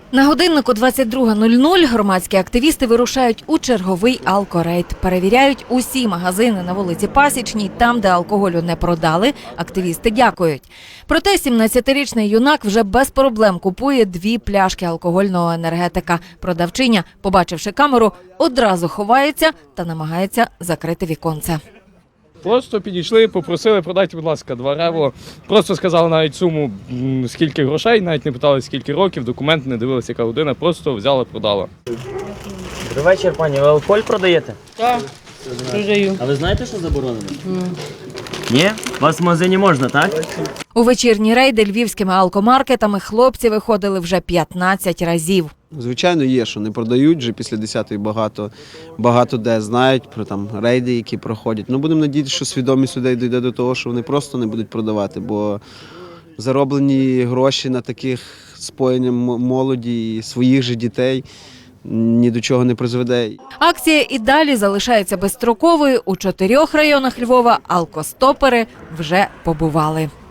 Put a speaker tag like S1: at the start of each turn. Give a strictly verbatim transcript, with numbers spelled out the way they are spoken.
S1: На годиннику двадцять друга нуль нуль громадські активісти вирушають у черговий алкорейд. Перевіряють усі магазини на вулиці Пасічній. Там, де алкоголю не продали, активісти дякують. Проте сімнадцятирічний юнак вже без проблем купує дві пляшки алкогольного енергетика. Продавчиня, побачивши камеру, одразу ховається та намагається закрити віконце.
S2: Просто підійшли, попросили, продайте, будь ласка, два рево. Просто сказали навіть суму, скільки грошей, навіть не питали, скільки років, документ не дивилися, яка година, просто взяла, продала.
S3: Добрий вечір, пані. Ви алкоголь продаєте?
S4: Так, продаю.
S3: А ви знаєте, що заборонено? Ні? У вас в магазині можна, так?
S1: У вечірні рейди львівськими алкомаркетами хлопці виходили вже п'ятнадцять разів.
S5: Звичайно, є, що не продають, вже після десятої багато, багато де знають про там рейди, які проходять. Ну, будемо надіятися, що свідомість людей дійде до того, що вони просто не будуть продавати, бо зароблені гроші на таких споєнням молоді і своїх же дітей ні до чого не призведе.
S1: Акція і далі залишається безстроковою. У чотирьох районах Львова алкостопери вже побували.